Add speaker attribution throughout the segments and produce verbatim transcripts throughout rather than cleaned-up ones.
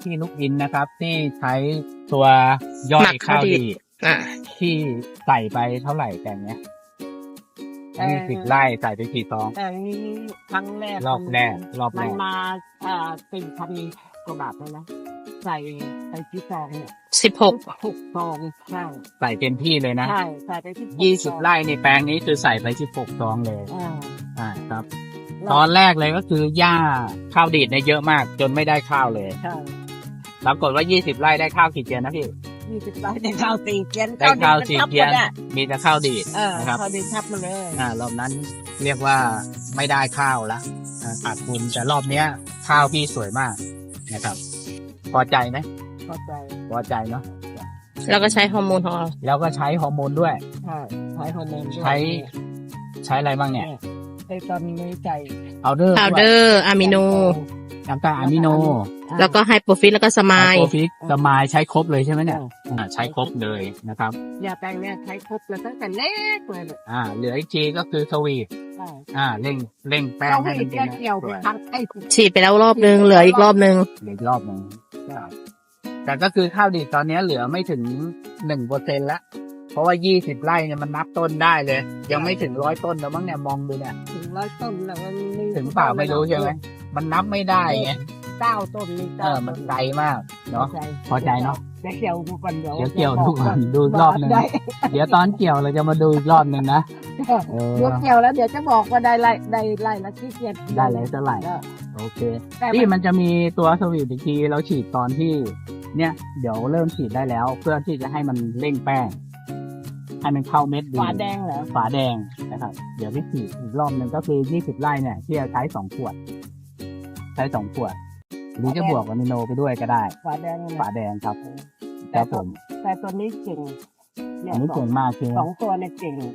Speaker 1: ที่ลูกอินนะครับที่ใช้ตัวย่อยข้าวดี
Speaker 2: อ่า
Speaker 1: ที่ใส่ไปเท่าไหร่แต่เนี้ยยี่สิบไร่ใส่ไปกี่ซอง
Speaker 3: แต่นี้ครั้งแรก
Speaker 1: รอบแรกรอบแร
Speaker 3: มัน
Speaker 1: ก
Speaker 3: มาอ่าสี่พันกว่าบาทเลยนะใส่ใส่ที่ซองเนี่ย
Speaker 2: สิบหก
Speaker 3: หกซองใช่
Speaker 1: ใส่เต็มที่เลยนะ
Speaker 3: ใช่ใส่ไปที่
Speaker 1: ยี่สิบไร่ในแปลงนี้คือใส่ไปสิบหกซองเลย
Speaker 3: อ่า
Speaker 1: อ่าครับ ตอนแรกเลยก็คือหญ้าข้าวดีดเนี่ยเยอะมาก จนไม่ได้ข้าวเลย
Speaker 3: ใช่
Speaker 1: ปรากฏว่ายี่สิบไร่ได้ข้าวกี่เกียนนะพี่
Speaker 3: ยี่สิบไร่ได้ข้าวสี่เกียน
Speaker 1: ได้ข้าวสี่เกียน
Speaker 3: ข้าวดีดมันทับหมดอะ
Speaker 1: มีแต่ข้าวดีด
Speaker 3: เออ
Speaker 1: นะครับ
Speaker 3: ข้าวดีดทับมาเลย
Speaker 1: อ่ารอบนั้นเรียกว่าไม่ได้ข้าวละอ่าขาดทุนแต่รอบเนี้ย ข้าวพี่สวยมากนะครับ พอใจไหม
Speaker 3: เข้าใจ
Speaker 1: พอใจเนาะ
Speaker 2: แล้วก็ใช้ฮอร์โมนของเรา
Speaker 1: แล้วก็ใช้ฮอร์โมนด้วย
Speaker 3: ใช่ใช้ฮอร์โมนด้วย
Speaker 1: ใช้ ใช้อะไรบ้างเนี่ย
Speaker 3: ไอ้ตอนนี้ใจ
Speaker 1: เอาเดอร์
Speaker 2: พาวเดอร์อะมิโน
Speaker 1: น้ำตาลอะมิโน
Speaker 2: แล้วก็ไฮโปรฟิตแล้วก็สมาย
Speaker 1: โปรฟิกสมายใช้ครบเลยใช่ไหมเนี่ยอ่าใช้ครบเลยนะครับ
Speaker 3: ยาแปลงเนี่ยใช้ครบเลยตั้งแต่เล็กเลยเนี่ย
Speaker 1: อ่า เหลืออีกทีก็คือสวีท
Speaker 3: ใช่
Speaker 1: อ่าเร่งเร่งแป้ง
Speaker 3: เรา
Speaker 1: ให้
Speaker 3: ไม่
Speaker 1: มันเป็น
Speaker 3: แก้เกี่ยวไปครั้งไอ้
Speaker 2: ฉีดไปแล้วรอบนึง เหลืออีกรอบนึง
Speaker 1: เหลืออีกรอบหนึ่งแต่ก็คือข้าวดีตอนนี้เหลือไม่ถึงหนึ่งเปอร์เซ็นต์ละเพราะว่ายี่สิบไร่เนี่ยมันนับต้นได้เลย ยังไม่ถึงร้อยต้นแล้วมั้งเนี่ยมองดูเนี่ย
Speaker 3: ถึงร้อยต้นแล้วมันมี
Speaker 1: ถึงเปล่าไม่รู้ใช่ไหมมันนับไม่ได้ไง
Speaker 3: เก้าต้นนี่
Speaker 1: เออมันไกลมากเนาะ พอใจเนอะ
Speaker 3: เดี๋ยวเกี่ยวดูก่อนเดี๋ยว
Speaker 1: เดี๋ยวเกี่ยวดูก่อนดูอีกรอบหนึ่ง
Speaker 3: ได้
Speaker 1: เดี๋ยวตอนเกี่ยวเราจะมาดูอีกรอบหนึ่งนะเออ
Speaker 3: เดี๋ยวเกี่ยวแล้วเดี๋ยวจะบอกว่าได้ไล่ได้ไล่ละที่เกียร
Speaker 1: ได้เลยเท่าไหร่ โอเค
Speaker 3: แต่
Speaker 1: ที่
Speaker 3: มัน
Speaker 1: มันจะมีตัวสวีทอีกทีเราฉีดตอนที่ เนี่ย เดี๋ยวเริ่มฉีดได้แล้ว เพื่อที่จะให้มันเร่งแป้งให้มันเข้าเม็ดดี
Speaker 3: ฝาแดงเหรอ
Speaker 1: ฝาแดงนะครับ เดี๋ยวพี่ฉีดอีกรอบหนึ่งก็คือยี่สิบไร่เนี่ยที่จะใช้สองขวด ใช้สองขวดหรือจะบวกอะมิโนไปด้วยก็ได้
Speaker 3: ฝาแดง
Speaker 1: ฝาแดงครับครับผม
Speaker 3: แต่ตัวนี้เก่งเนี่
Speaker 1: อั
Speaker 3: ย
Speaker 1: นนี้
Speaker 3: สอ
Speaker 1: เก่
Speaker 3: ง
Speaker 1: งมากคือ
Speaker 3: สองตัวเนี่ยเก่ง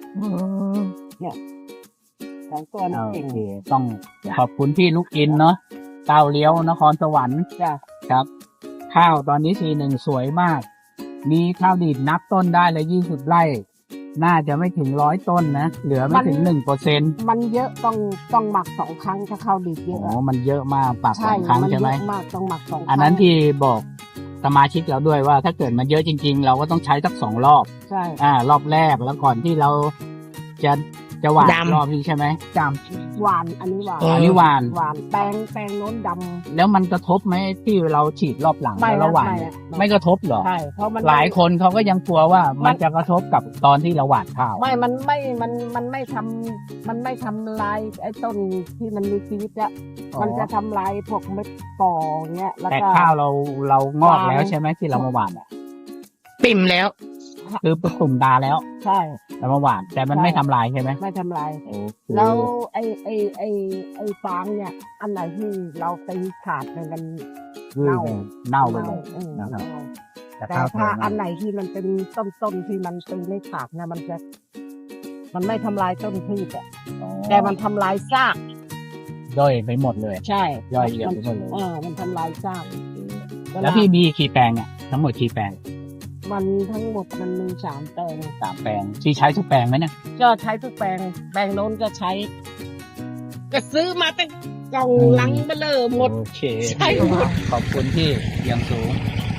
Speaker 3: สองตัวเนี่ย
Speaker 1: โอ
Speaker 3: เก่ง
Speaker 1: เคต้องขอบคุณพี่ลูกอินเนาะเต้าเลี้ยวนครสวรรค์
Speaker 3: จ้ะ
Speaker 1: ครับ ข้าวตอนนี้ทีหนึ่งสวยมาก มีข้าวดีดนับต้นได้เลยยี่สิบไร่ น่าจะไม่ถึงร้อยต้นนะ เหลือไม่ถึงหนึ่งเปอร์เซ็นต์
Speaker 3: มันเยอะต้องต้องหมักสองครั้งถ้าเข้าดีเย
Speaker 1: โอ้
Speaker 3: อะ
Speaker 1: มันเยอะมากปากสองครั้ง
Speaker 3: มั
Speaker 1: ใช่ไหม
Speaker 3: เยอะมากต้องหมักสองครั้ง
Speaker 1: อันนั้นที่บอกสมาชิกเราด้วยว่า ถ้าเกิดมันเยอะจริง ๆ เราก็ต้องใช้สักสองรอบ
Speaker 3: ใช่
Speaker 1: อ่ารอบแรกแล้วก่อนที่เราจะจะหวาน
Speaker 2: ดำ
Speaker 1: รอบนี้ใช่ไหมจ
Speaker 3: หวานอันนี้หวาน
Speaker 1: ำอันนี้หวาน
Speaker 3: หวานแป้งแป้งโน้นด
Speaker 1: แล้วมันกระทบไหมที่เราฉีดรอบหลัง
Speaker 3: ำไม่
Speaker 1: แล้วเราหวาน
Speaker 3: ไม่
Speaker 1: เนี่ย
Speaker 3: ไม่
Speaker 1: ไม่กระทบเหรอ
Speaker 3: ใช่เพราะมัน
Speaker 1: หลายคนเขาก็ยังกลัวว่า
Speaker 3: มั
Speaker 1: มัน
Speaker 3: น
Speaker 1: จะกระทบกับตอนที่เราหวานข้าว
Speaker 3: ไม่มันไม่มันมันไม่ทำมันไม่ทำลายไอ้ต้นที่มันมีชีวิตอะ
Speaker 1: อ๋อ
Speaker 3: มันจะทำลายพวกเม็ดปอเงี้ยแล้ว
Speaker 1: แต่
Speaker 3: ก็
Speaker 1: ข้าวเราเรางอกแล้ว
Speaker 3: หวาน
Speaker 1: ใช่ไหมที่เรามาหวานอ่ะ
Speaker 2: ปิ่มแล้ว
Speaker 1: คือตุ่มดาแล้ว
Speaker 3: ใช่
Speaker 1: เรามาหวาน แต่มัน
Speaker 3: ใช่
Speaker 1: ไม่ทำลายใช่ไหม
Speaker 3: ไม่ทำลาย
Speaker 1: โอเค
Speaker 3: แล้วไอ้ไอ้ไอ้ไอ้ฟางเนี่ย อันไหนที่เราตีขาดเนี่ยมัน
Speaker 1: คือ
Speaker 3: เน่า
Speaker 1: เน่าไปเลย
Speaker 3: เออ
Speaker 1: นะครับ
Speaker 3: เน่า
Speaker 1: แต่
Speaker 3: แต่
Speaker 1: ข้าวสว
Speaker 3: ถ้าย อั
Speaker 1: มาน ก
Speaker 3: ไหนที่มันเป็นต้นต้นๆที่มันตีไม่ขาดเนี่ยมันจะ มันไม่ทำลายต้นพืชอะ
Speaker 1: อ๋อ
Speaker 3: แต่มันทำลายซาก
Speaker 1: ย่อยไปหมดเลย
Speaker 3: ใช่
Speaker 1: ย่อยเหยียบไปหมดเลย
Speaker 3: เออมันทำลายซาก
Speaker 1: แล้วพี่มีกี่แปลงอ่ะทั้งหมดกี่แปลง
Speaker 3: มันทั้งหมดมันมีสามแปลง
Speaker 1: สามแปลงที่ใช้ทุกแปลงไหมเนี่ย
Speaker 3: ก็ใช้ทุกแปลง แปลงโน้นก็ใช้ ก็ซื้อมาเป็นกล่องลังเบลอหมด
Speaker 1: โอเค
Speaker 3: ใช่หมด
Speaker 1: ขอบคุณที่ยังสูง